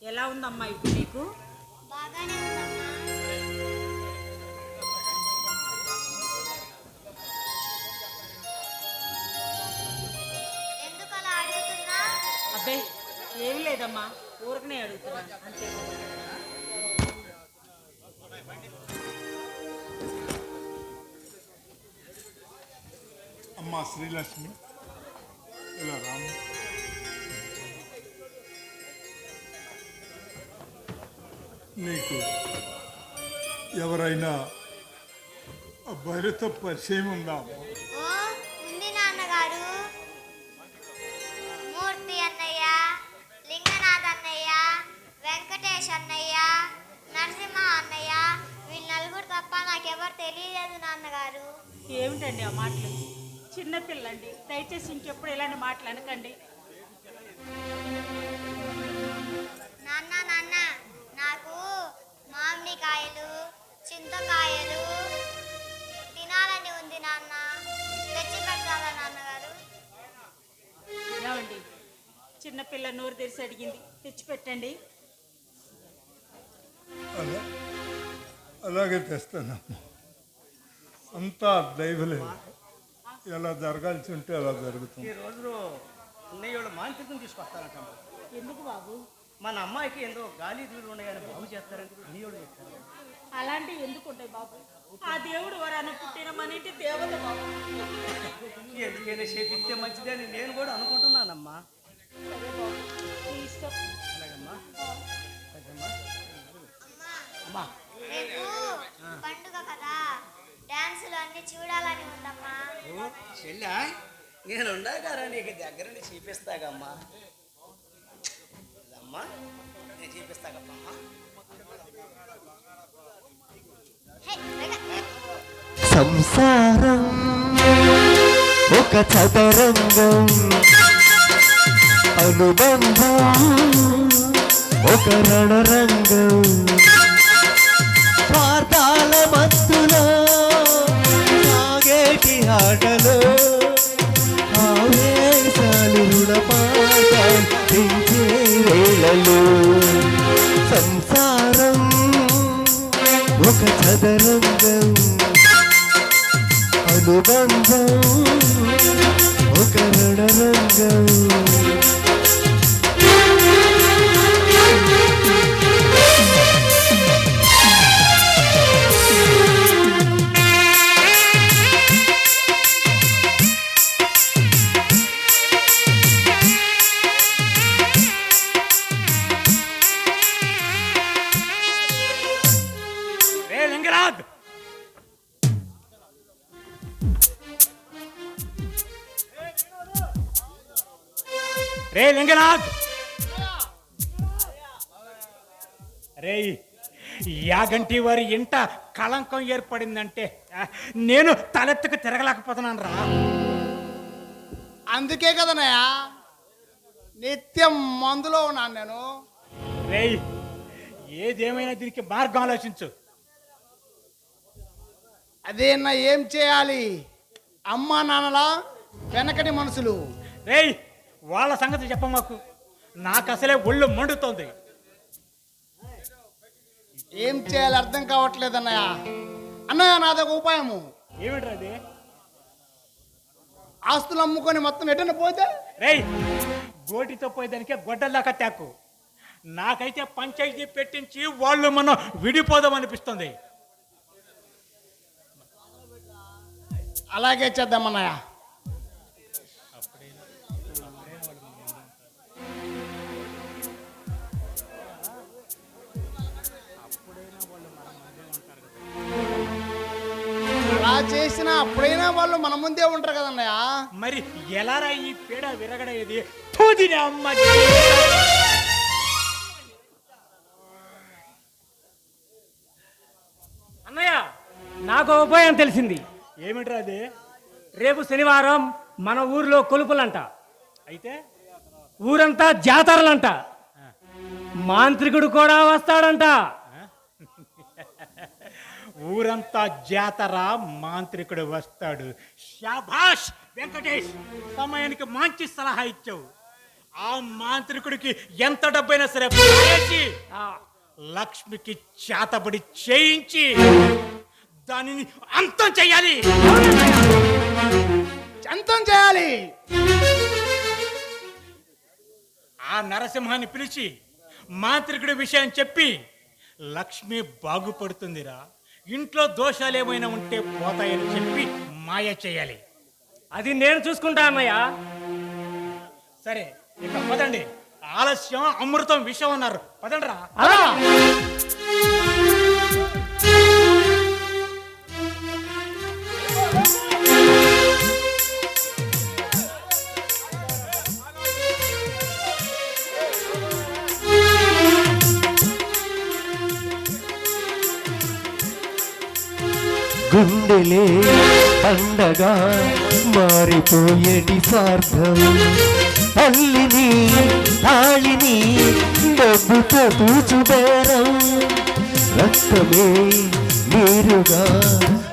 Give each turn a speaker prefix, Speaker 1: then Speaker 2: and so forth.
Speaker 1: ఎలా ఉందమ్మా ఇప్పుడు నీకు?
Speaker 2: బాగానే ఉందమ్మా. ఎందుకు అలా అడుగుతున్నా?
Speaker 1: అబ్బే ఏం లేదమ్మా, ఊరకనే అడుగుతున్నాను అంతే.
Speaker 3: అమ్మా శ్రీలక్ష్మి, ఇలా రాము. నీకు ఎవరైనా అబ్బాయిలతో పరిచయం ఉందా అమ్మా?
Speaker 2: ఓ ఉంది నాన్నగారు. మూర్తి అన్నయ్య, లింగనాథ్ అన్నయ్య, వెంకటేష్ అన్నయ్య, నరసింహ అన్నయ్య, వీళ్ళు నలుగురు తప్ప నాకెవరు తెలియలేదు నాన్నగారు.
Speaker 1: ఏమిటండి ఆ మాటలు? చిన్నపిల్లండి, దయచేసి ఇంకెప్పుడు ఇలాంటి మాటలు అనకండి.
Speaker 2: నాన్న నాన్న, నాకు మామిడికాయలు, చింతకాయలు తినాలని ఉంది నాన్న. తెచ్చి పెడతారా నాన్నగారు?
Speaker 1: ఏమండి, చిన్నపిల్ల నోరు తెరిచి అడిగింది, తెచ్చిపెట్టండి.
Speaker 3: అలా అలాగే తెస్తానమ్మా. అంతా దైవలేదు, ఎలా జరగాల్సి ఉంటే అలా జరుగుతుంది.
Speaker 4: ఈ రోజు అన్నయ్య వాళ్ళు మాంత్రికం తీసుకొస్తారంట.
Speaker 1: ఎందుకు బాబు?
Speaker 4: మన అమ్మాయికి ఏదో గాలి దూరు ఉన్నాయని బాగు చేస్తారంటే అన్నయ్య వాళ్ళు చెప్తారు.
Speaker 1: అలాంటివి ఎందుకు ఉంటాయి బాబు? ఆ దేవుడు వరాన పుట్టిన మన ఇంటి దేవత బాబు.
Speaker 4: ఎందుకైనా చేపిస్తే మంచిదని నేను కూడా అనుకుంటున్నానమ్మా.
Speaker 1: సరే బాబు, నీ ఇష్టం.
Speaker 4: అలాగమ్మా. అదమ్మా.
Speaker 2: అమ్మా,
Speaker 4: అమ్మా
Speaker 2: రేపు పండుగ కదా, డాన్సులు అన్ని చూడాలని ఉందమ్మా.
Speaker 4: ఓ చెల్లా, నేను ఉండగారా నీకు దగ్గరుండి చూపిస్తాగమ్మా. అమ్మా నేను చూపిస్తాగమ్మా.
Speaker 2: హే, వేగ.
Speaker 5: సంసారం ఒక చదరంగం, అనుబంధం ఒక రణరంగం, స్వార్థాల మత్తులో సాగేటి ఆటలో ఆవేశాలు రుణపాఠాలు పెంచే వేళలో. సంసారం ఒక చదరంగం, అనుబంధం ఒక రణరంగం.
Speaker 4: రే లింగరాజ్, రే లింగనాథ్, రే యాగంటి వారి ఇంట కళంకం ఏర్పడిందంటే నేను తలెత్తుకు తిరగలేకపోతున్నాను రా.
Speaker 6: అందుకే కదనయ్యా నిత్యం మందులో ఉన్నాను నేను.
Speaker 4: రే ఏదేమైనా దీనికి మార్గం ఆలోచించు.
Speaker 6: అదేనా ఏం చేయాలి? అమ్మా నాన్నలా వెనకటి మనుషులు.
Speaker 4: రేయ్ వాళ్ళ సంగతి చెప్ప మాకు, నాకు అసలే ఒళ్ళు మండుతోంది.
Speaker 6: ఏం చేయాలి అర్థం కావట్లేదు అన్నయ్య. అన్నయ్య నాదొక ఉపాయము.
Speaker 4: ఏమిట్రా అది?
Speaker 6: ఆస్తులు అమ్ముకొని మొత్తం ఎటైనా పోతే
Speaker 4: రేయ్ గోటితో పోయేదానికే గొడ్డల్లాక తాకు. నాకైతే పంచాయతీ పెట్టించి వాళ్ళు మనం విడిపోదాం అనిపిస్తుంది.
Speaker 6: అలాగే చేద్దాం అన్నయ్య. అలా చేసినా అప్పుడైనా వాళ్ళు మన ముందే ఉంటారు కదన్నయ్య.
Speaker 4: మరి ఎలారా ఈ పీడ విరగడేది? తూదినే అమ్మ.
Speaker 7: అన్నయ్య, నాకు ఉపాయం తెలిసింది.
Speaker 4: ఏమిట్రా అది?
Speaker 7: రేపు శనివారం మన ఊర్లో కొలుపులంట.
Speaker 4: అయితే
Speaker 7: ఊరంతా జాతరలంట. మాంత్రికుడు కూడా వస్తాడంట.
Speaker 4: ఊరంతా జాతర, మాంత్రికుడు వస్తాడు. శాబాష్ వెంకటేష్, సమయానికి మంచి సలహా ఇచ్చావు. ఆ మాంత్రికుడికి ఎంత డబ్బైనా సరే పడేసి
Speaker 7: ఆ,
Speaker 4: లక్ష్మికి చేతబడి చేయించి దానిని అంతం చెయ్యాలి.
Speaker 6: అంతం చేయాలి.
Speaker 4: ఆ నరసింహాన్ని పిలిచి మాంత్రికుడి విషయం చెప్పి లక్ష్మి బాగుపడుతుందిరా, ఇంట్లో దోషాలు ఏమైనా ఉంటే పోతాయని చెప్పి మాయ చేయాలి.
Speaker 7: అది నేను చూసుకుంటా అన్నయ్య.
Speaker 4: సరే ఇక పదండి, ఆలస్యం అమృతం విషయం అన్నారు, పదండ్రా.
Speaker 7: అలా
Speaker 5: గుండెలే పండగ మారిపోయేటి స్వార్థం, తల్లిని తాళిని డబ్బుతో తూచుబేరం, రక్తమే నీరుగా